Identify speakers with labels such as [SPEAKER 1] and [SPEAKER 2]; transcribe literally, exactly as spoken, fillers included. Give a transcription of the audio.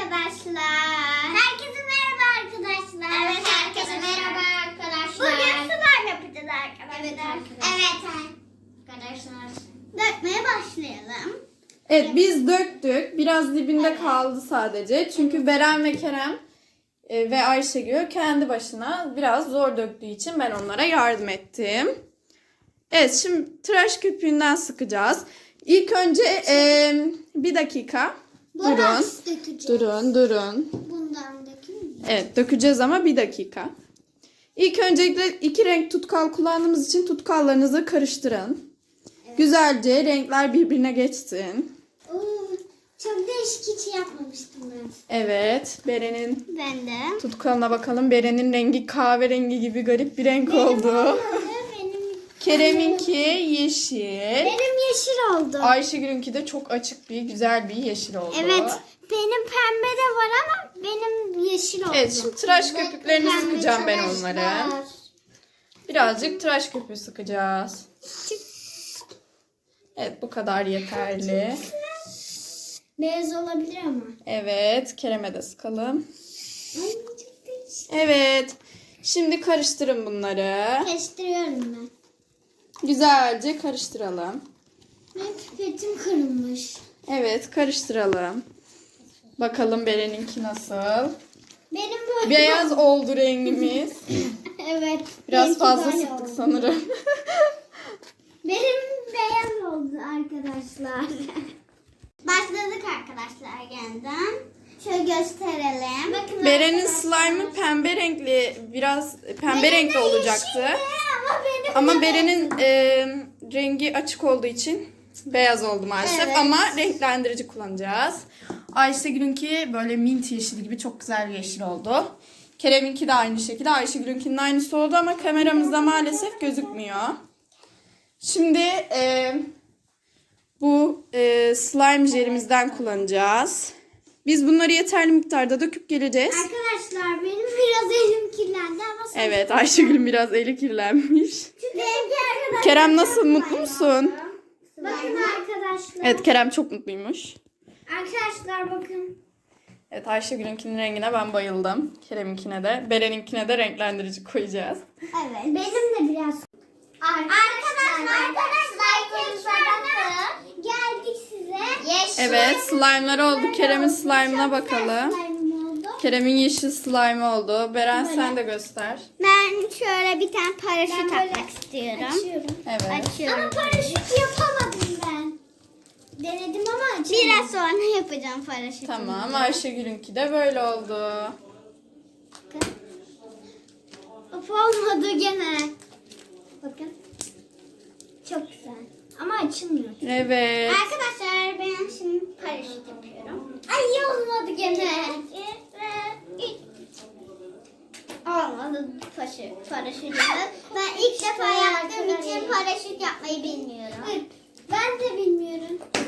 [SPEAKER 1] arkadaşlar. Herkese merhaba arkadaşlar. Evet, herkese merhaba arkadaşlar. Bugün slime yapacağız arkadaşlar. Evet arkadaşlar. Evet arkadaşlar. Dökmeye başlayalım.
[SPEAKER 2] Evet, biz döktük. Biraz dibinde evet. kaldı sadece. Çünkü Beren ve Kerem e, ve Ayşegül kendi başına biraz zor döktüğü için ben onlara yardım ettim. Evet, şimdi tıraş köpüğünden sıkacağız. İlk önce e, bir dakika. Durun. Durun, durun.
[SPEAKER 1] Bundan dökeyim mi?
[SPEAKER 2] Evet, dökeceğiz ama bir dakika. İlk öncelikle iki renk tutkal kullandığımız için tutkallarınızı karıştırın. Evet. Güzelce renkler birbirine geçsin.
[SPEAKER 1] Oo, çok değişik, hiç yapmamıştım ben.
[SPEAKER 2] Evet, Beren'in
[SPEAKER 1] Ben de.
[SPEAKER 2] tutkalına bakalım. Beren'in rengi kahverengi gibi garip bir renk
[SPEAKER 1] Benim
[SPEAKER 2] oldu.
[SPEAKER 1] olmadı, benim...
[SPEAKER 2] Kerem'inki yeşil.
[SPEAKER 1] Benim yeşil oldu.
[SPEAKER 2] Ayşegül'ünki de çok açık bir, güzel bir yeşil oldu.
[SPEAKER 1] Evet, benim pembe de var ama benim yeşil oldu.
[SPEAKER 2] Evet, şimdi tıraş köpüklerini
[SPEAKER 1] Pembe
[SPEAKER 2] sıkacağım ben
[SPEAKER 1] tıraşlar.
[SPEAKER 2] onları. Birazcık tıraş köpüğü sıkacağız. Evet, bu kadar yeterli.
[SPEAKER 1] Beyaz olabilir ama.
[SPEAKER 2] Evet, Kerem'e de sıkalım.
[SPEAKER 1] Ay, çok değişik.
[SPEAKER 2] Evet, şimdi karıştırın bunları.
[SPEAKER 1] Karıştırıyorum ben.
[SPEAKER 2] Güzelce karıştıralım.
[SPEAKER 1] Benim pipetim kırılmış.
[SPEAKER 2] Evet, karıştıralım. Bakalım Beren'inki nasıl?
[SPEAKER 1] Benim böyle...
[SPEAKER 2] Beyaz oldu rengimiz.
[SPEAKER 1] Evet.
[SPEAKER 2] Biraz
[SPEAKER 1] benimki
[SPEAKER 2] fazla
[SPEAKER 1] böyle
[SPEAKER 2] sıktık
[SPEAKER 1] oldu.
[SPEAKER 2] sanırım.
[SPEAKER 1] Benim beyaz oldu arkadaşlar. Başladık arkadaşlar yeniden. Şöyle gösterelim. Bakın
[SPEAKER 2] Beren'in
[SPEAKER 1] arkadaşlar.
[SPEAKER 2] slime'ı pembe renkli, biraz pembe
[SPEAKER 1] Benim
[SPEAKER 2] renkli
[SPEAKER 1] de
[SPEAKER 2] olacaktı.
[SPEAKER 1] yeşildi ama benim
[SPEAKER 2] Ama
[SPEAKER 1] de
[SPEAKER 2] Beren'in e, rengi açık olduğu için beyaz oldu maalesef.
[SPEAKER 1] Evet.
[SPEAKER 2] Ama renklendirici kullanacağız. Ayşegül'ünki böyle mint yeşili gibi çok güzel bir yeşil oldu. Kerem'inki de aynı şekilde. Ayşegül'ünkinin aynısı oldu ama kameramızda maalesef gözükmüyor. Şimdi e, bu e, slime jelimizden kullanacağız. Biz bunları yeterli miktarda döküp geleceğiz.
[SPEAKER 1] Arkadaşlar benim biraz elim kirlendi ama sonra...
[SPEAKER 2] Evet, Ayşegül'ün biraz eli kirlenmiş.
[SPEAKER 1] Çünkü benimki arkadaşlar...
[SPEAKER 2] Kerem nasıl, mutlu musun?
[SPEAKER 1] Bakın arkadaşlar.
[SPEAKER 2] Evet, Kerem çok mutluymuş.
[SPEAKER 1] Arkadaşlar bakın.
[SPEAKER 2] Evet, Ayşegül'ünkinin rengine ben bayıldım. Kerem'inkine de. Beren'inkine de renklendirici koyacağız.
[SPEAKER 1] Evet. Benim de biraz. Arkadaşlar, arkadaşlar bakın. Geldik size. Yeşil.
[SPEAKER 2] Evet, slime'lar oldu. Kerem'in slime'ına bakalım.
[SPEAKER 1] Slime oldu.
[SPEAKER 2] Kerem'in yeşil slime oldu. Beren sen de göster.
[SPEAKER 1] Ben şöyle bir tane paraşüt atmak istiyorum. Açıyorum.
[SPEAKER 2] Evet.
[SPEAKER 1] Açıyorum. Ama paraşüt yapamadım ben. Denedim ama açamadım. Biraz sonra yapacağım paraşütü.
[SPEAKER 2] Tamam, Ayşegül'ünki de böyle oldu.
[SPEAKER 1] Bakın. Of, olmadı gene. Bakın. Çok güzel. Ama açılmıyor.
[SPEAKER 2] Evet.
[SPEAKER 1] Arkadaşlar ben şimdi paraşüt yapıyorum. Ay olmadı gene. Olmadı paraşüt. paraşütü. Ben ilk defa yaptığım için paraşüt yapmayı bilmiyorum. Ben de bilmiyorum.